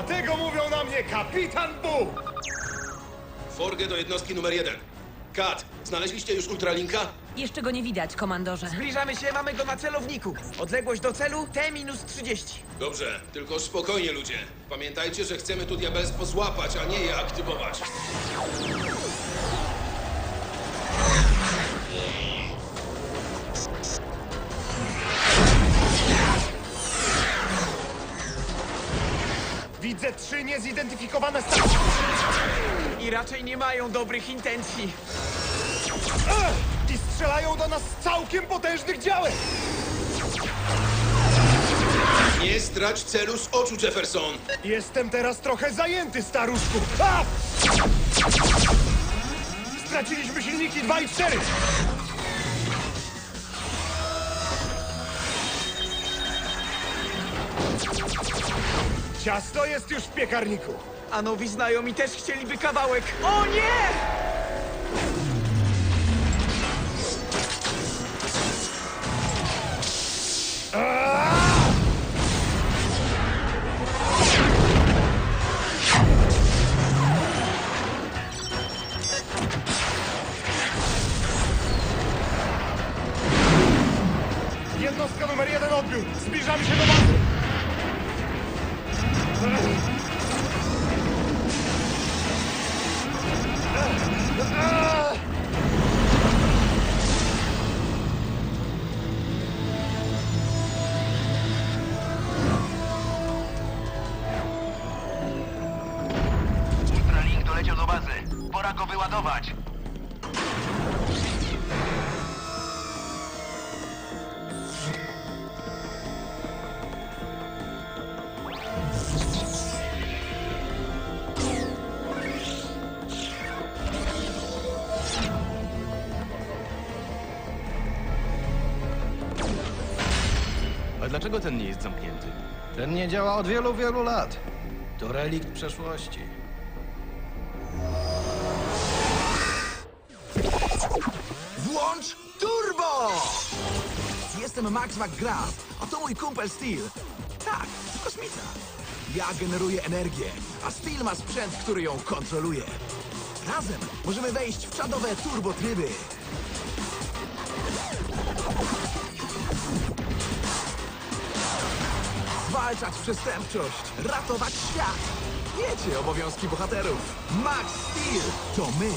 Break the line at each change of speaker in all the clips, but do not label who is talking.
Dlatego mówią na mnie Kapitan Bóg!
Forgę do jednostki numer 1. Kat, znaleźliście już Ultralinka?
Jeszcze go nie widać, komandorze.
Zbliżamy się, mamy go na celowniku. Odległość do celu T-30.
Dobrze, tylko spokojnie ludzie. Pamiętajcie, że chcemy tu diabelstwo złapać, a nie je aktywować.
Widzę 3 niezidentyfikowane stacje.
I raczej nie mają dobrych intencji.
I strzelają do nas z całkiem potężnych działek.
Nie strać celu z oczu, Jefferson!
Jestem teraz trochę zajęty, staruszku. A! Straciliśmy silniki 2 i 4. Ciasto jest już w piekarniku.
A nowi znajomi też chcieliby kawałek. O nie!
Jednostka numer 1 odbiór. Zbliżamy się do bazy.
Ultralink doleciał do bazy. Pora go wyładować.
A dlaczego ten nie jest zamknięty?
Ten nie działa od wielu, wielu lat. To relikt przeszłości.
Włącz turbo! Jestem Max McGrath, a to mój kumpel Steel. Tak, to kosmita. Ja generuję energię, a Steel ma sprzęt, który ją kontroluje. Razem możemy wejść w czadowe turbotryby. Zwalczać przestępczość, ratować świat. Wiecie obowiązki bohaterów. Max Steel to my.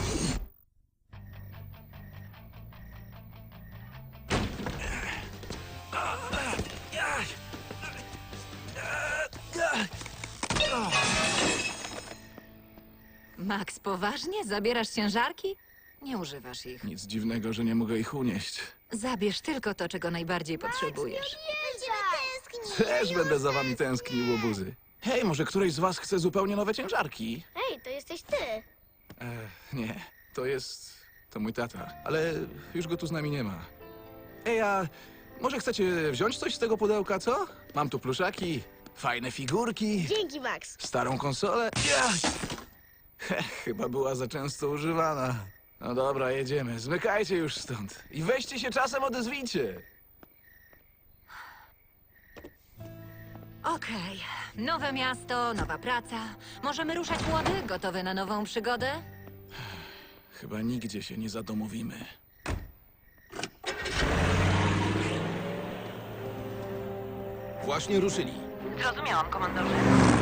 Max, poważnie? Zabierasz ciężarki? Nie używasz ich.
Nic dziwnego, że nie mogę ich unieść.
Zabierz tylko to, czego najbardziej potrzebujesz.
Też będę za wami tęsknił, łobuzy. Hej, może któryś z was chce zupełnie nowe ciężarki?
Hej, to jesteś ty.
Nie, to mój tata, ale już go tu z nami nie ma. Ej, a może chcecie wziąć coś z tego pudełka, co? Mam tu pluszaki, fajne figurki,
Dzięki, Max.
starą konsolę. Chyba była za często używana. No dobra, jedziemy. Zmykajcie już stąd. I weźcie się czasem odezwijcie.
Okej. Nowe miasto, nowa praca. Możemy ruszać młody, gotowy na nową przygodę?
Chyba nigdzie się nie zadomowimy.
Właśnie ruszyli.
Zrozumiałam, komandorze.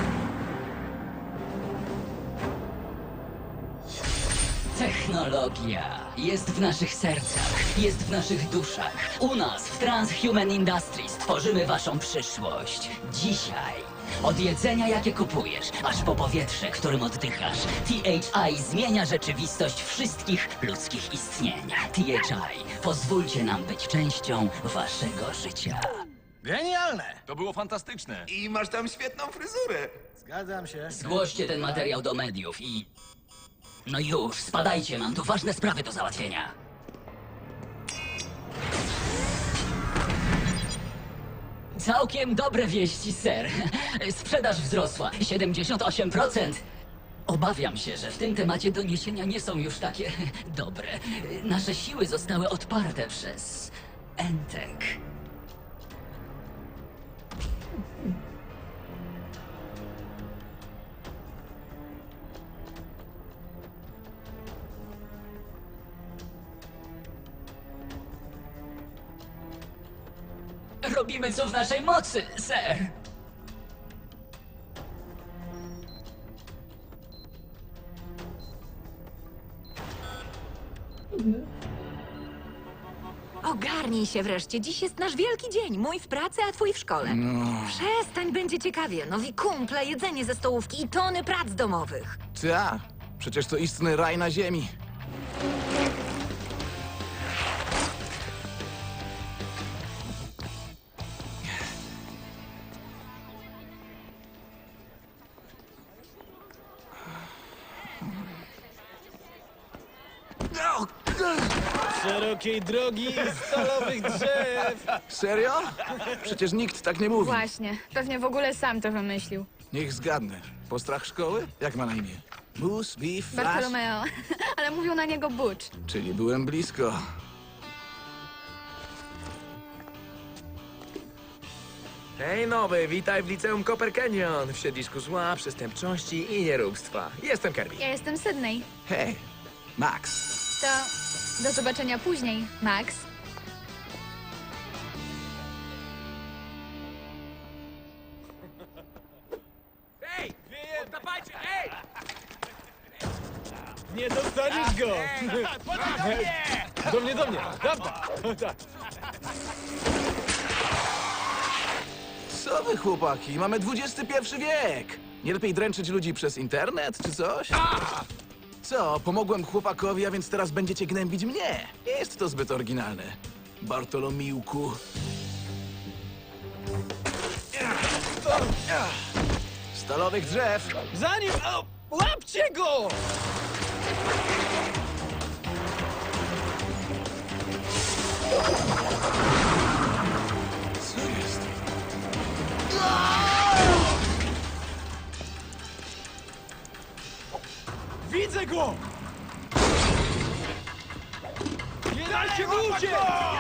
Technologia jest w naszych sercach, jest w naszych duszach. U nas, w Transhuman Industries, tworzymy waszą przyszłość. Dzisiaj, od jedzenia, jakie kupujesz, aż po powietrze, którym oddychasz, THI zmienia rzeczywistość wszystkich ludzkich istnień. THI, pozwólcie nam być częścią waszego życia.
Genialne!
To było fantastyczne.
I masz tam świetną fryzurę.
Zgadzam się.
Zgłoście ten materiał do mediów i... No już, spadajcie, mam tu ważne sprawy do załatwienia. Całkiem dobre wieści, ser. Sprzedaż wzrosła 78%. Obawiam się, że w tym temacie doniesienia nie są już takie dobre. Nasze siły zostały odparte przez Entek. Robimy co w naszej mocy, ser.
Ogarnij się wreszcie. Dziś jest nasz wielki dzień. Mój w pracy, a twój w szkole. Przestań, będzie ciekawie. Nowi kumple, jedzenie ze stołówki i tony prac domowych.
Ta, przecież to istny raj na ziemi.
Szerokiej drogi i stalowych drzew!
Serio? Przecież nikt tak nie mówi.
Właśnie, pewnie w ogóle sam to wymyślił.
Niech zgadnę. Postrach szkoły? Jak ma na imię? Moose, Beef, Flash?
Bartolomeo, ale mówią na niego Butch.
Czyli byłem blisko.
Hej nowy, witaj w liceum Copper Canyon, w siedlisku zła, przestępczości i nieróbstwa. Jestem Kirby.
Ja jestem Sydney.
Hej, Max.
To do zobaczenia później, Max.
Hej! Oddawajcie, hej!
Nie dostaniesz go! Do mnie! Dobra! Tak.
Co wy, chłopaki? Mamy XXI wiek! Nie lepiej dręczyć ludzi przez internet, czy coś? Co, pomogłem chłopakowi, a więc teraz będziecie gnębić mnie? Nie jest to zbyt oryginalne. Bartolomiłku. Stalowych drzew!
Zanim... O, łapcie go!
Co jest?
Widzę go! Nie dajcie mu uciec!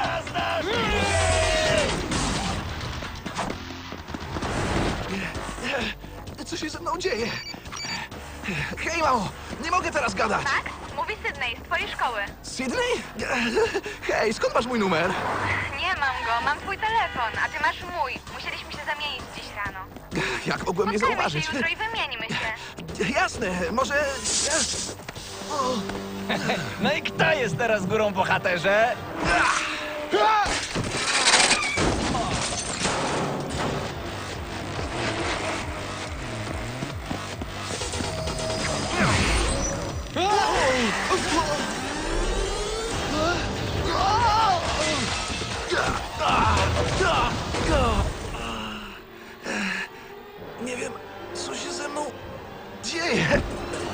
Co się ze mną dzieje? Hej, mamo! Nie mogę teraz gadać!
Max? Mówi Sydney z twojej szkoły.
Sydney? Hej, skąd masz mój numer?
Nie mam go, mam twój telefon, a ty masz mój. Musieliśmy się zamienić dziś rano.
Jak mogłem nie
Spotkajmy
zauważyć?
się jutro i wymieńmy się.
Jasne, może...
No i kto jest teraz górą, bohaterze?
Nie wiem, co się ze mną dzieje.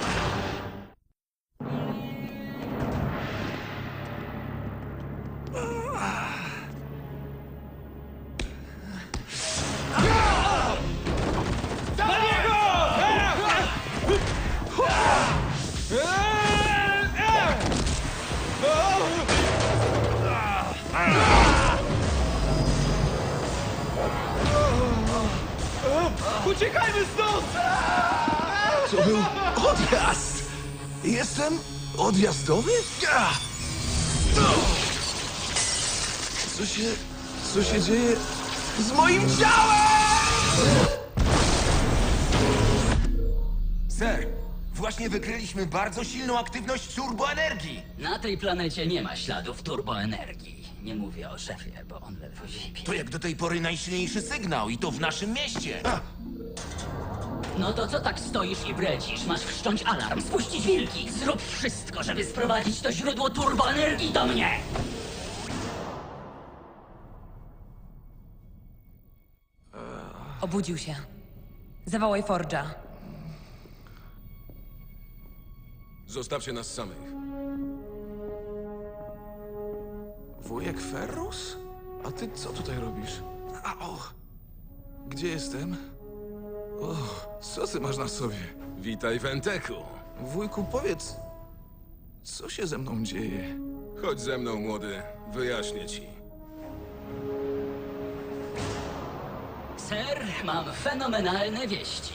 Uciekajmy stąd!
To był odjazd. Jestem odjazdowy? Co się dzieje z moim ciałem?
Ser, właśnie wykryliśmy bardzo silną aktywność turboenergii.
Na tej planecie nie ma śladów turboenergii. Nie mówię o szefie, bo on ledwo zipie.
To jak do tej pory najsilniejszy sygnał i to w naszym mieście.
No to co tak stoisz i bredzisz? Masz wszcząć alarm, spuścić wilki. Zrób wszystko, żeby sprowadzić to źródło turboenergii do mnie!
Obudził się. Zawołaj Forge'a.
Zostawcie nas samych.
Wujek Ferrus? A ty co tutaj robisz? Gdzie jestem? O, co ty masz na sobie?
Witaj w Enteku.
Wujku, powiedz, co się ze mną dzieje?
Chodź ze mną, młody. Wyjaśnię ci.
Ser, mam fenomenalne wieści.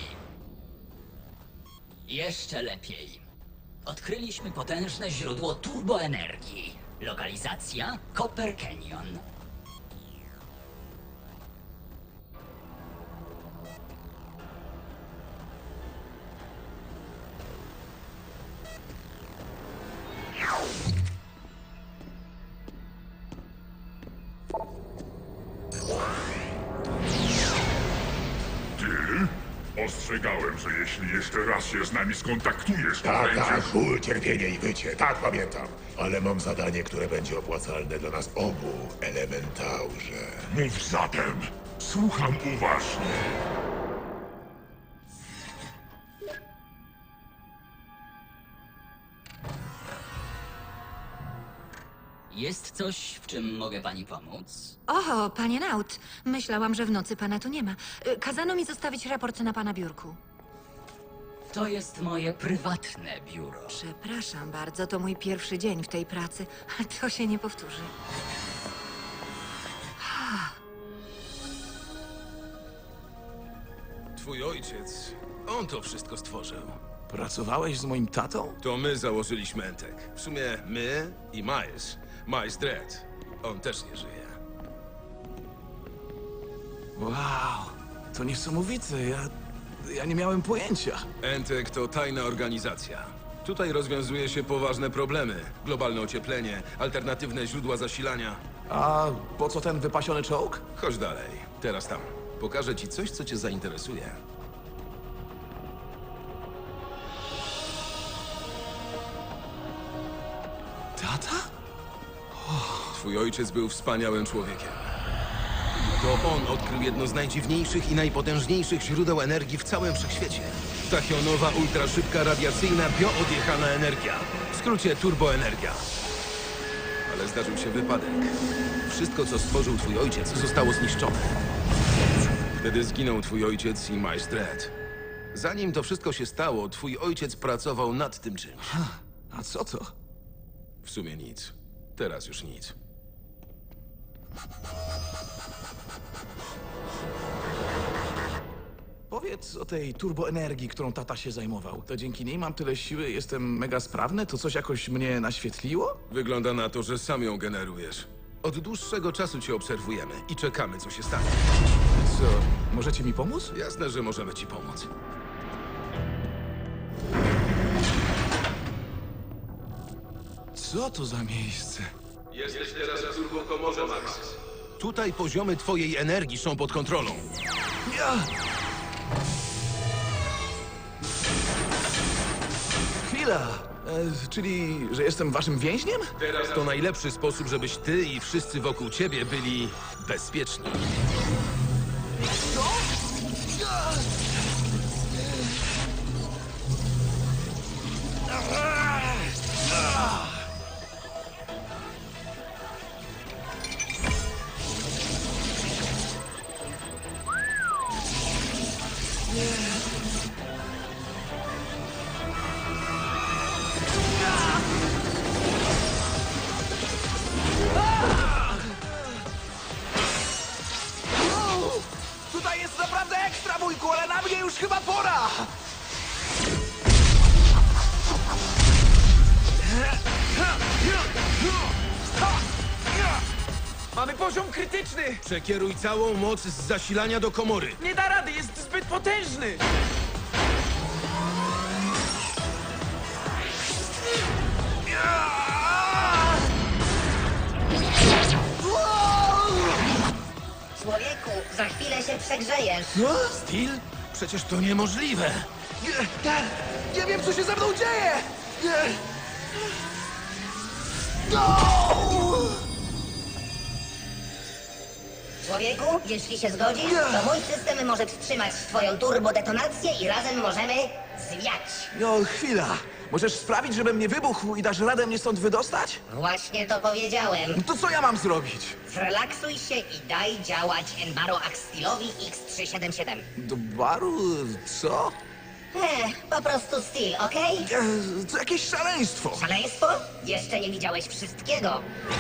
Jeszcze lepiej. Odkryliśmy potężne źródło turboenergii. Lokalizacja Copper Canyon.
Ostrzegałem, że jeśli jeszcze raz się z nami skontaktujesz, to
Tak,
będziesz...
tak, ból, cierpienie i wycie. Tak, pamiętam. Ale mam zadanie, które będzie opłacalne dla nas obu, Elementaurze.
Mów zatem. Słucham uważnie.
Jest coś, w czym mogę pani pomóc?
O, panie Naut, myślałam, że w nocy pana tu nie ma. Kazano mi zostawić raport na pana biurku.
To jest moje prywatne biuro.
Przepraszam bardzo, to mój pierwszy dzień w tej pracy, ale to się nie powtórzy.
Twój ojciec, on to wszystko stworzył.
Pracowałeś z moim tatą?
To my założyliśmy Entek. W sumie my i Miles. Miles Dredd. On też nie żyje.
Wow, to niesamowite. Ja nie miałem pojęcia.
Entek to tajna organizacja. Tutaj rozwiązuje się poważne problemy. Globalne ocieplenie, alternatywne źródła zasilania.
A po co ten wypasiony czołg?
Chodź dalej. Teraz tam. Pokażę ci coś, co cię zainteresuje.
Tata?
Twój ojciec był wspaniałym człowiekiem. To on odkrył jedno z najdziwniejszych i najpotężniejszych źródeł energii w całym wszechświecie. Tachionowa, ultraszybka, radiacyjna, bioodjechana energia. W skrócie turboenergia. Ale zdarzył się wypadek. Wszystko, co stworzył twój ojciec, zostało zniszczone. Wtedy zginął twój ojciec i Miles Dredd. Zanim to wszystko się stało, twój ojciec pracował nad tym czymś.
A co to?
W sumie nic. Teraz już nic.
Powiedz o tej turboenergii, którą tata się zajmował. To dzięki niej mam tyle siły, jestem mega sprawny? To coś jakoś mnie naświetliło?
Wygląda na to, że sam ją generujesz. Od dłuższego czasu cię obserwujemy i czekamy, co się stanie.
Co, możecie mi pomóc?
Jasne, że możemy ci pomóc.
Co to za miejsce?
Jesteś teraz w turbokomorze, Max. Tutaj poziomy twojej energii są pod kontrolą.
Ja! Chwila! Czyli, że jestem waszym więźniem?
Teraz to najlepszy sposób, żebyś ty i wszyscy wokół ciebie byli bezpieczni.
Tutaj jest naprawdę ekstra, wujku, ale na mnie już chyba pora!
Mamy poziom krytyczny!
Przekieruj całą moc z zasilania do komory.
Nie da rady, jest zbyt potężny!
Człowieku, za chwilę się przegrzejesz.
Steel? Przecież to niemożliwe.
Nie wiem, co się ze mną dzieje!
Człowieku, jeśli się zgodzisz, to mój system może wstrzymać twoją turbodetonację i razem możemy zwiać.
No, chwila. Możesz sprawić, żebym nie wybuchł i dasz radę mnie stąd wydostać?
Właśnie to powiedziałem.
To co ja mam zrobić?
Zrelaksuj się i daj działać Enbaro Axtilowi X377.
Do baru? Co?
Po prostu Steel, okej?
To jakieś szaleństwo.
Szaleństwo? Jeszcze nie widziałeś wszystkiego.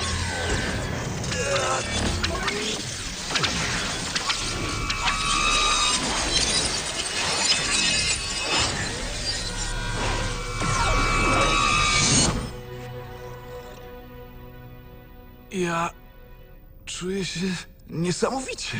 Ja czuję się niesamowicie.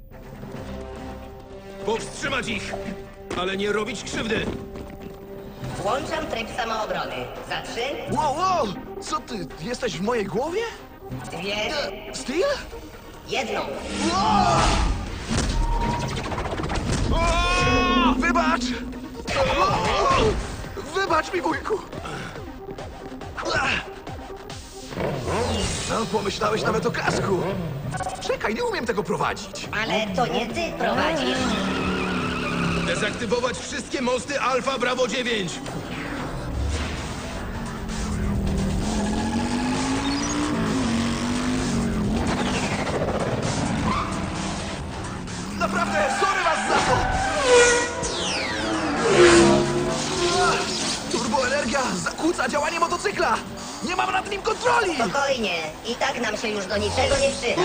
Powstrzymać ich, ale nie robić krzywdy.
Włączam tryb samoobrony. Za 3,
Wow! Co ty, jesteś w mojej głowie?
2,
Steel?
1.
Wow!
Wybacz! Wybacz mi, wujku! No, pomyślałeś nawet o kasku. Czekaj, nie umiem tego prowadzić.
Ale to nie ty prowadzisz.
Dezaktywować wszystkie mosty Alfa Bravo 9!
Naprawdę, sorry was za to! Turboenergia zakłóca działanie motocykla! Nie mam nad nim kontroli!
Spokojnie, i tak nam się już do niczego nie przyda.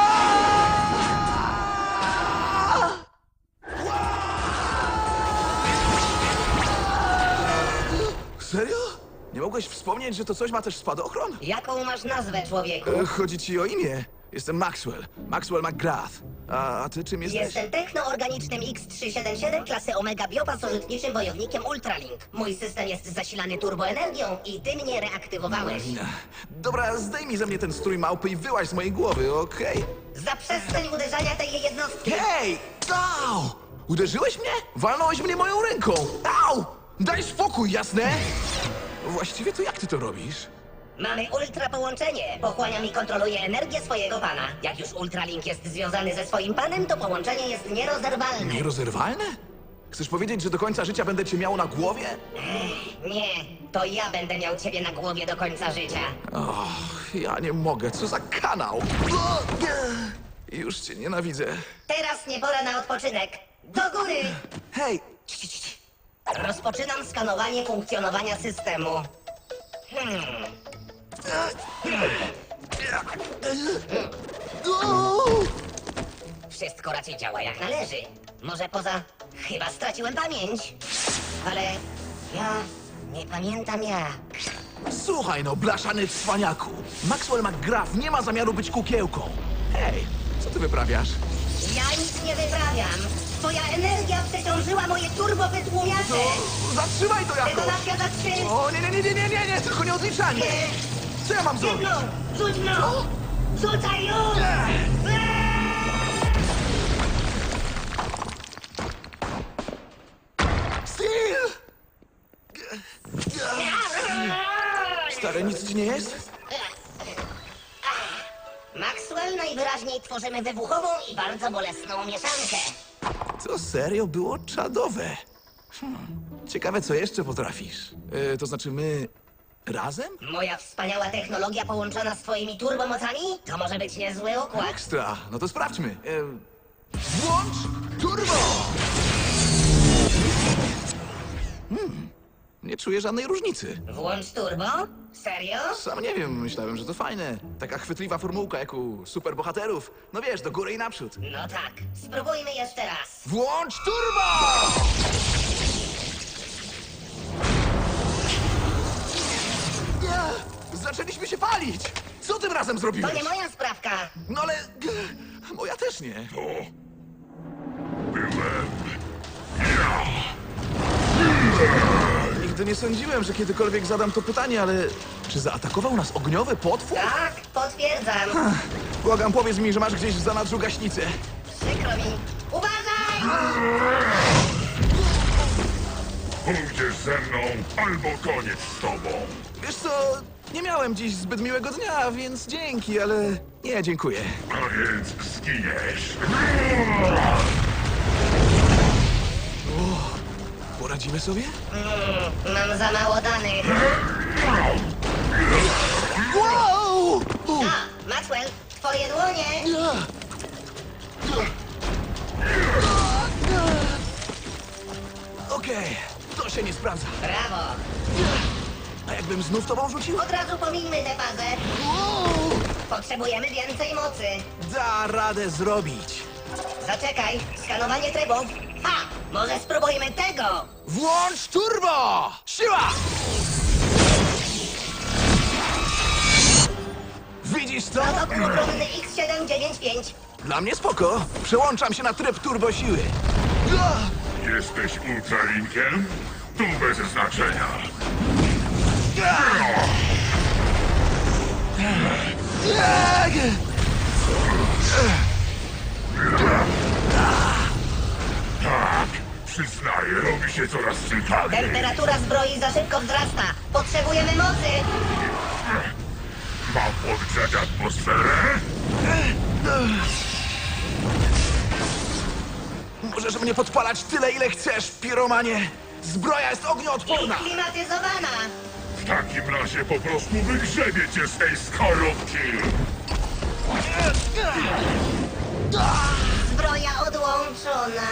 Serio? Nie mogłeś wspomnieć, że to coś ma też spadochron?
Jaką masz nazwę, człowieku?
Chodzi ci o imię. Jestem Maxwell. Maxwell McGrath. A ty czym jesteś?
Jestem technoorganicznym X377 klasy Omega biopasożytniczym wojownikiem Ultralink. Mój system jest zasilany turboenergią i ty mnie reaktywowałeś.
Dobra, zdejmij ze mnie ten strój małpy i wyłaź z mojej głowy, okej?
Zaprzestań uderzania tej jednostki.
Hej! Au! Uderzyłeś mnie? Walnąłeś mnie moją ręką! Au! Daj spokój, jasne? Właściwie to jak ty to robisz?
Mamy ultra połączenie. Pochłaniam i kontroluję energię swojego pana. Jak już Ultralink jest związany ze swoim panem, to połączenie jest nierozerwalne.
Nierozerwalne? Chcesz powiedzieć, że do końca życia będę cię miał na głowie?
Nie, to ja będę miał ciebie na głowie do końca życia.
Och, ja nie mogę, co za kanał! Już cię nienawidzę.
Teraz nie pora na odpoczynek. Do góry!
Hej!
Rozpoczynam skanowanie funkcjonowania systemu. Wszystko raczej działa jak należy. Może poza... Chyba straciłem pamięć. Ale ja nie pamiętam jak.
Słuchaj no, blaszany cwaniaku. Maxwell McGrath nie ma zamiaru być kukiełką. Hej, co ty wyprawiasz?
Ja nic nie wyprawiam. Twoja energia przeciążyła moje turbowytłumiacze.
Zatrzymaj to jakoś!
Detonacja za 3.
O, nie, tylko nie odliczanie! Co ja mam zrobić?
Rzuć mną! Rzucaj już!
Steel! Stary, nic ci nie jest?
Maxwell, najwyraźniej tworzymy wybuchową i bardzo bolesną mieszankę.
To serio było czadowe. Ciekawe, co jeszcze potrafisz. To znaczy my... razem?
Moja wspaniała technologia połączona z twoimi turbomocami? To może być niezły układ.
Ekstra, no to sprawdźmy. Włącz turbo! Nie czuję żadnej różnicy.
Włącz turbo? Serio?
Sam nie wiem, myślałem, że to fajne. Taka chwytliwa formułka jak u superbohaterów. No wiesz, do góry i naprzód.
No tak, spróbujmy jeszcze raz.
Włącz turbo! Zaczęliśmy się palić! Co tym razem zrobiłeś?
To nie moja sprawka.
No ale... moja też nie. Nigdy nie sądziłem, że kiedykolwiek zadam to pytanie, ale... Czy zaatakował nas ogniowy potwór?
Tak, potwierdzam.
Błagam, powiedz mi, że masz gdzieś w zanadrzu gaśnicę.
Przykro mi. Uważaj!
Pójdziesz ze mną, albo koniec z tobą.
Wiesz co, nie miałem dziś zbyt miłego dnia, więc dzięki, ale nie, dziękuję.
A więc zginiesz.
Poradzimy sobie?
Mam za mało danych.
Wow!
A, Maxwell, twoje dłonie.
Okej, to się nie sprawdza.
Brawo.
A jakbym znów tobą rzucił?
Od razu pomińmy tę fazę. Potrzebujemy więcej mocy.
Da radę zrobić.
Zaczekaj, skanowanie trybów. Ha! Może spróbujmy tego!
Włącz turbo! Siła! Widzisz to?
Protokół obronny X795.
Dla mnie spoko. Przełączam się na tryb turbo siły.
Jesteś ultralinkiem? Tu bez znaczenia. Tak, Przyznaję, robi się coraz ciekawiej.
Temperatura zbroi za szybko wzrasta. Potrzebujemy mocy.
Mam podgrzać atmosferę?
Możesz mnie podpalać tyle, ile chcesz, piromanie. Zbroja jest ognioodporna.
Klimatyzowana.
W takim razie po prostu wygrzebie cię z tej skorupki.
Zbroja odłączona.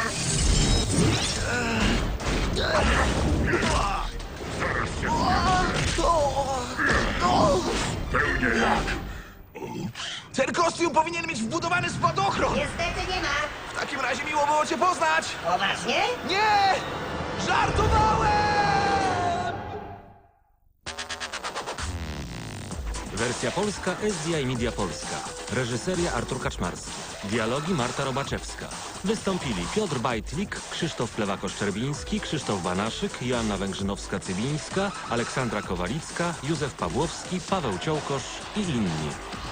Zaraz się pełnie jak.
Ten kostium powinien mieć wbudowany spadochron.
Niestety nie ma.
W takim razie miło było cię poznać.
Poważnie?
Nie! Żartowałem!
Wersja polska SDI Media Polska. Reżyseria Artur Kaczmarski. Dialogi Marta Robaczewska. Wystąpili Piotr Bajtlik, Krzysztof Plewako-Szczerbiński, Krzysztof Banaszyk, Joanna Węgrzynowska-Cybińska, Aleksandra Kowalicka, Józef Pawłowski, Paweł Ciołkosz i inni.